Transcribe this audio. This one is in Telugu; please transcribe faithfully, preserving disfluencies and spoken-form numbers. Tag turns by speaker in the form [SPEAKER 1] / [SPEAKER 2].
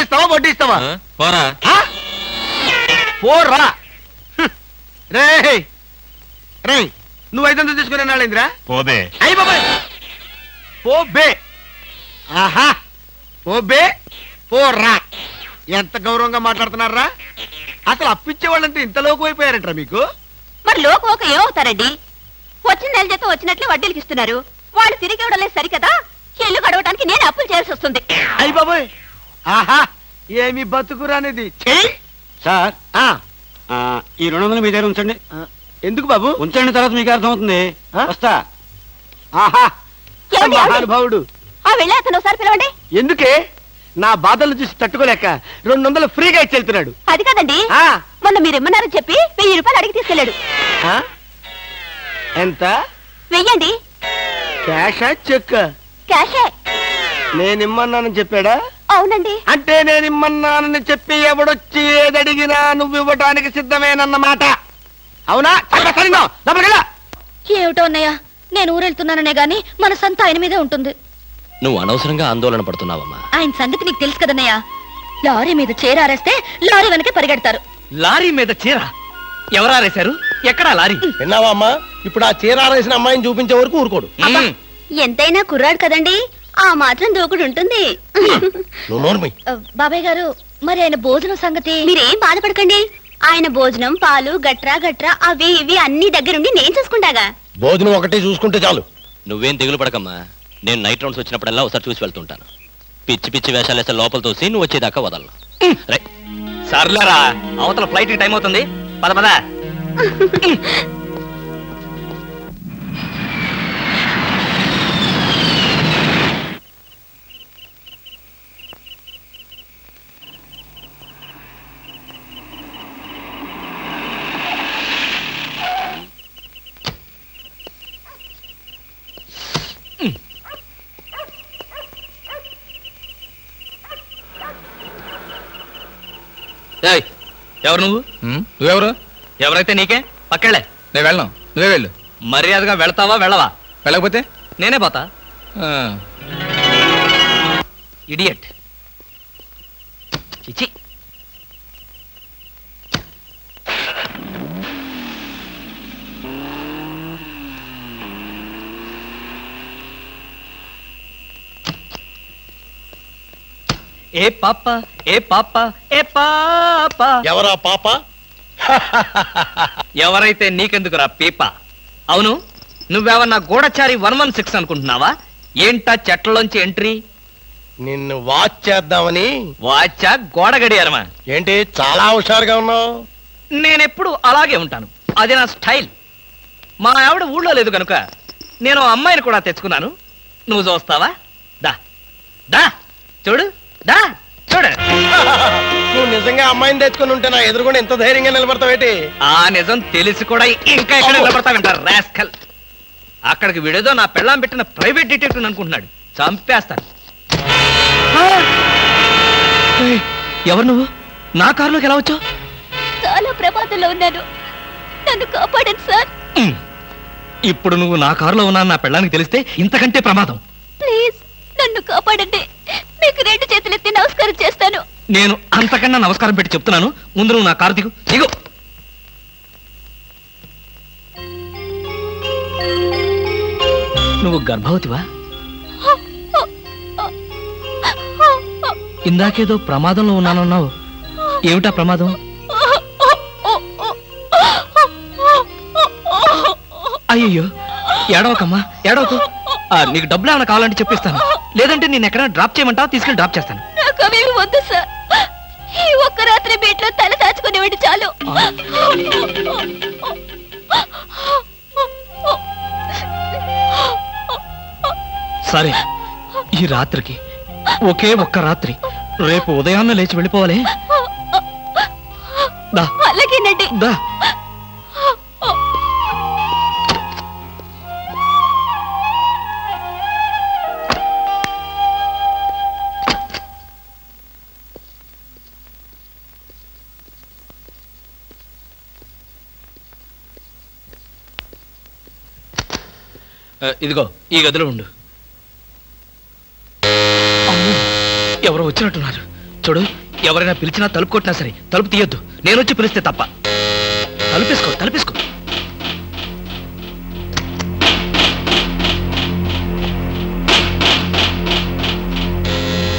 [SPEAKER 1] ఇస్తావా వడ్డీ ఇస్తావా?
[SPEAKER 2] పోరా
[SPEAKER 1] పోరా. రే రే నువ్వు ఐదు వందలు తీసుకునే నాళ్ళేందిరా?
[SPEAKER 2] పోబే.
[SPEAKER 1] అయ్యి బాబాయ్ పోబే. ఆహా పోబే పోరా. ఎంత గౌరవంగా మాట్లాడుతున్నారా? అసలు అప్పిచ్చే వాళ్ళంటే ఇంత లోకు అయిపోయారంటారా మీకు?
[SPEAKER 3] మరి లోకు ఒక ఏమవుతారండి? వచ్చిన నెల జీతం వచ్చినట్లు వడ్డీలకి ఇస్తున్నారు. వాళ్ళు తిరిగి ఇవ్వడం లేదు సరికదా, ఇల్లు గడవడానికి నేను అప్పులు చేయాల్సి వస్తుంది.
[SPEAKER 1] అయ్యి బాబాయ్ ఆహా ఏమి బతుకురానిది.
[SPEAKER 4] సార్ ఈ రెండు వందలు మీ దగ్గర ఉంచండి.
[SPEAKER 1] ఎందుకు బాబు?
[SPEAKER 4] ఉంచండి, తర్వాత మీకు అర్థమవుతుంది. వస్తా.
[SPEAKER 1] ఆహా
[SPEAKER 3] ఏమండి, ఏమండి?
[SPEAKER 1] మహానుభావుడు.
[SPEAKER 3] ఆ వెళ్ళే అతను ఒకసారి పిలవండి.
[SPEAKER 1] ఎందుకే? నా బాధలు చూసి తట్టుకోలేక రెండు వందలు ఫ్రీగా ఇచ్చి వెళ్తున్నాడు.
[SPEAKER 3] అది కాదండి,
[SPEAKER 1] ఆ,
[SPEAKER 3] మొన్న మీరు ఇమ్మన్నారని చెప్పి వెయ్యి రూపాయలు అడిగి తీసుకెళ్ళాడు.
[SPEAKER 1] ఆ? ఎంత?
[SPEAKER 3] వెయ్యండి.
[SPEAKER 1] క్యాషా చెక్?
[SPEAKER 3] క్యాషే.
[SPEAKER 1] నేనిమ్మన్నానని చెప్పాడా?
[SPEAKER 3] అవునండి.
[SPEAKER 1] అంటే నేనిమ్మన్నానని చెప్పి ఎవడొచ్చి ఏదడిగినా నువ్వు ఇవ్వటానికి సిద్ధమేనన్నమాట. అవునా?
[SPEAKER 3] ఏమిటో అన్నయ్య, నేను ఊరెళ్తున్నాననే గాని మన సంత ఆయన మీదే ఉంటుంది.
[SPEAKER 2] నువ్వు అనవసరంగా ఆందోళన పడుతున్నావమ్మా.
[SPEAKER 3] ఆయన సంగతి నీకు తెలుసు కదన్నయ్య. లారీ మీద చేరారేస్తే లారీ వెనకే పరిగెడతారు.
[SPEAKER 5] లారీ మీద చీర ఎవరారేశారు? ఎక్కడా లారీ?
[SPEAKER 1] విన్నావా అమ్మా? ఇప్పుడు ఆ చీర ఆరేసిన అమ్మాయిని చూపించే వరకు ఊరుకోడు.
[SPEAKER 3] ఎంతైనా కుర్రాడు కదండి, ఆ మాత్రం దూకుడు ఉంటుంది. బాబాయ్ గారు, మరి ఆయన భోజనం సంగతి? మీరేం బాధపడకండి. ఆయన భోజనం పాలు గట్రా గట్రా అవి ఇవి అన్ని దగ్గరుండి నేను చూసుకుంటాగా.
[SPEAKER 1] భోజనం ఒకటి చూసుకుంటే చాలు.
[SPEAKER 2] నువ్వేం దిగులు పడకమ్మా. నేను నైట్ రౌండ్స్ వచ్చినప్పుడల్లా ఒకసారి చూసి వెళ్తుంటాను. పిచ్చి పిచ్చి వేషాలు వేస్తే లోపల తోసి నువ్వు వచ్చేదాకా వదలను.
[SPEAKER 5] సర్లేరా, అవతల ఫ్లైట్ టైం అవుతుంది. పద పద. ఎవరు నువ్వు?
[SPEAKER 6] నువ్వెవరు?
[SPEAKER 5] ఎవరైతే నీకే, పక్కెళ్ళే.
[SPEAKER 6] నేను వెళ్ళను, నువ్వే వెళ్ళు.
[SPEAKER 5] మర్యాదగా వెళ్తావా వెళ్ళవా?
[SPEAKER 6] వెళ్ళకపోతే
[SPEAKER 5] నేనే పోతా. ఇడియట్. చిచి. ఏ పాప ఏ పాప ఏ పాప.
[SPEAKER 1] ఎవరా పాప?
[SPEAKER 5] ఎవరైతే నీకెందుకురా పీప? అవును, నువ్వేమన్నా గూఢచారి వన్ వన్ సిక్స్ అనుకుంటున్నావా? ఏంటా చెట్లలోంచి ఎంట్రీ?
[SPEAKER 1] నిన్ను వాచ్ చేద్దామని.
[SPEAKER 5] వాచా గోడ గడియారమా?
[SPEAKER 1] ఏంటి చాలా హుషారుగా ఉన్నావు?
[SPEAKER 5] నేనెప్పుడు అలాగే ఉంటాను, అది నా స్టైల్. మా ఆవిడ ఊళ్ళో లేదు కనుక నేను అమ్మాయిని కూడా తెచ్చుకున్నాను. నువ్వు చూస్తావా? దా దా చూడు, దా చూడు.
[SPEAKER 1] నువ్వు నిజంగా అమ్మాయిని తెచ్చుకుని ఉంటే నా ఎదురుకుండా ఎంత ధైర్యంగా నిలబడతావేటి?
[SPEAKER 5] ఆ నిజం తెలిసి కూడా ఇంకా ఎక్కడ నిలబడతావంటారు రాస్కల్. అక్కడికి విడేదో నా పెళ్ళాం పెట్టిన ప్రైవేట్ డిటెక్టివ్ అనుకుంటున్నాడు. చంపేస్తాను. ఎవరు నువ్వు? నా కారులోకి ఎలా వచ్చావు?
[SPEAKER 3] చాలా ప్రమాదంలో ఉన్నాను, నన్ను కాపాడండి సార్.
[SPEAKER 5] ఇప్పుడు నువ్వు నా కారులో ఉన్నా నా పెళ్ళానికి తెలిస్తే ఇంతకంటే ప్రమాదం.
[SPEAKER 3] ప్లీజ్ నన్ను కాపాడండి. మీకు రెండు చేతులెత్తి నమస్కారం చేస్తాను.
[SPEAKER 5] నేను అంతకన్నా నమస్కారం పెట్టి చెప్తున్నాను, ముందు నువ్వు నా కారు దిగు. దిగు. నువ్వు గర్భవతివా? ఇందాకేదో ప్రమాదంలో ఉన్నానన్నావు. ఏమిటా ప్రమాదం? అయ్యయ్యో, ఏడవకమ్మా, ఏడవకు. నీకు డబ్బులు ఏమైనా కావాలంటే చెప్పిస్తాను, లేదంటే నేను ఎక్కడైనా డ్రాప్ చేయమంటావా? తీసుకెళ్ళి డ్రాప్ చేస్తాను.
[SPEAKER 3] నాకు అవేమి వద్దు సార్. ఈ ఒక్క రాత్రి బీట్లో తల దాచుకునేవాడి చాలు.
[SPEAKER 5] సరే, ఈ రాత్రికి ఒకే ఒక్క రాత్రి. రేపు ఉదయాన్నే లేచి వెళ్ళిపోవాలి.
[SPEAKER 3] అలాగేనండి.
[SPEAKER 5] దా. ఇదిగో ఈ గదిలో ఉండు. అమ్మో, ఎవరో వచ్చినట్టున్నారు. చూడు, ఎవరైనా పిలిచినా తలుపు కొట్టినా సరే తలుపు తీయొద్దు. నేనొచ్చి పిలిస్తే తప్ప. తలుపేసుకో తలుపేసుకో